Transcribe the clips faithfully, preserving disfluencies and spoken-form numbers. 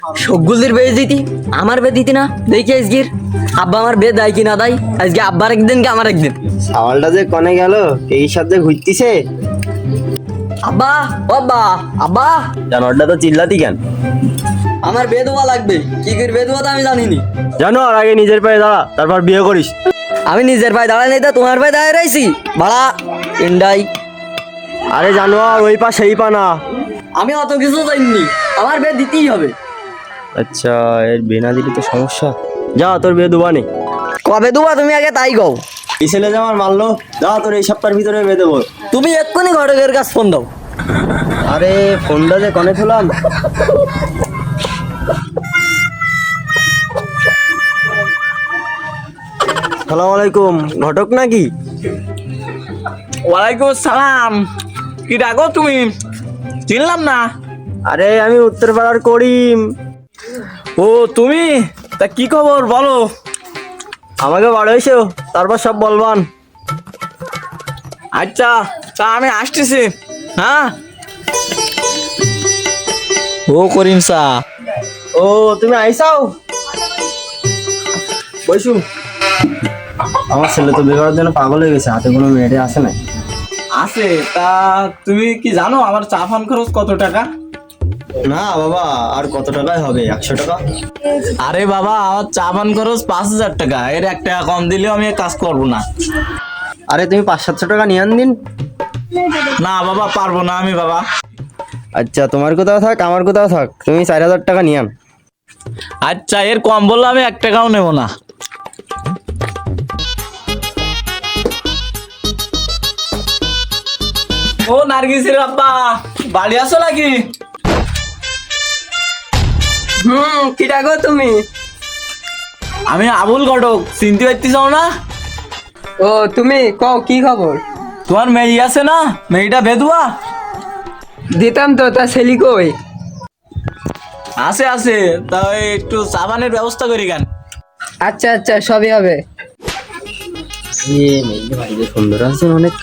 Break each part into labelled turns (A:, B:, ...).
A: সবগুলির বেয়ে দিতি আমার বে দিতি না দেখি আজকের আব্বা আমার বে দেয় কি না দেয় আজকে আব্বার একদিন কি আমার একদিন
B: সাওয়ালটা যে কনে গেল এই সাথে ঘুরতিছে
A: আব্বা ও আব্বা আব্বা
B: জানোয়ারটা তো চিল্লাতি কেন?
A: আমার বে দেওয়া লাগবে কি করে বে দেওয়া তো আমি জানিনি
B: জানো আর আগে নিজের পায়ে দাঁড়া তারপর বিয়ে করিস।
A: আমি নিজের পায়ে দাঁড়াই নাই তো তোমার পায়ে দাঁড়ায় রয়েছি ভাড়া ইন্ডাই
B: আরে জানোয়ার ওই পা সেই পা না।
A: আমি অত কিছু জানিনি আমার বে দিতেই হবে।
B: আচ্ছা এর বিয়ে না দিলে তো সমস্যা। যা তোর বিয়ে দুবা নেই।
A: কবে দেবো তুমি আগে তাই কও।
B: এই ছেলে যে আমার মারলো, যা তোর এই সপ্তাহের ভিতরে বিয়ে দেবো।
A: তুমি এক্ষুনি ঘটকের কাছে ফোন দাও।
B: আরে ফোনটা যে কনে থুলাম। সালাম আলাইকুম, ঘটক নাকি?
C: ওয়ালাইকুম সালাম। কি ডাকো তুমি? চিনলাম না।
B: আরে আমি উত্তরপাড়ার করিম।
C: ও তুমি, তা কি খবর বলো?
B: আমাকে বাড়ি এসো তারপর সব বলবান।
C: আচ্ছা তা আমি আসতেছি। হ্যাঁ ও করিম সা।
B: ও তুমি আইসাও, বসু। আমার ছেলে তো বিয়ে করার জন্য পাগল হয়ে গেছে, হাতে কোনো মেয়েটে আসে না।
C: আছে তা তুমি কি জানো আমার চা পান খরচ কত টাকা?
B: না বাবা, আর কত টাকায় হবে? একশো টাকা।
C: আরে বাবা আমার চা পান খরচ পাঁচ হাজার টাকা, এর এক টাকা কম দিলেও আমি কাজ করবো না।
B: আরে তুমি পাঁচ সাতশো টাকা নিয়ে আন দিন।
C: না বাবা পারবো না আমি বাবা।
B: আচ্ছা তোমার কোথাও থাক আমার কোথাও থাক, তুমি চার হাজার টাকা নিয়ে আন।
C: আচ্ছা এর কম বললে আমি এক টাকাও নেবো না। ও নার্গিসের আব্বা বাড়ি আসো নাকি?
A: হুম কি ডাকো তুমি?
C: আমি আবুল ঘটক, চিনতে পারতেছ না?
A: ও তুমি কও কি খবর?
C: তোমার মেয়ে আছে না, মেয়েটা বেদুয়া?
A: দিতাম তো, তা ছেলি কই?
C: আছে আছে, তাই একটু সাবানের ব্যবস্থা করি কেন?
A: আচ্ছা আচ্ছা সবই হবে।
B: সুন্দর আছে অনেক।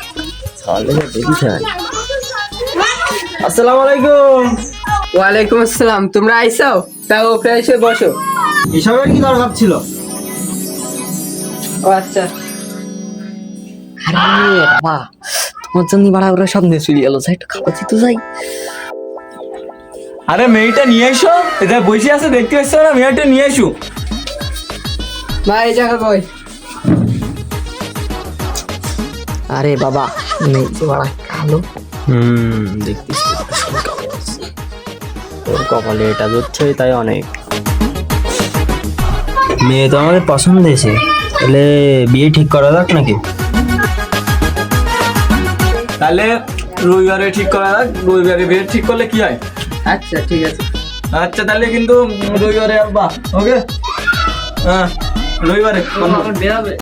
B: আসসালামু আলাইকুম।
A: ওয়ালাইকুম আসসালাম। তোমরা আইসাও, তা ওকে এসে বসো।
B: এসবের কি দরকার ছিল?
A: ও আচ্ছা। আরে বাবা তোমার জন্য বাড়া ওরা সব নিয়ে চলে গেল, যাই একটু খাবার দিতে যাই।
C: আরে মেয়েটা নিয়ে এসো, এটা বসে আছে দেখতে পাচ্ছ না, মেয়েটা নিয়ে এসো।
A: মা এই জায়গা কই? আরে বাবা নেই যে বাড়া কালো।
B: হুম দেখতেছি তোর কপালে এটা ধরছে তাই অনেক। মেয়ে তো আমাদের পছন্দ হয়েছে, তাহলে বিয়ে ঠিক করা যাক নাকি?
C: তাহলে রবিবারে ঠিক করা যাক, রবিবারে বিয়ে ঠিক করলে কি হয়?
A: আচ্ছা ঠিক আছে।
C: আচ্ছা তাহলে কিন্তু রবিবারে আব্বা ওকে। হ্যাঁ রবিবারে
A: বেরাবে।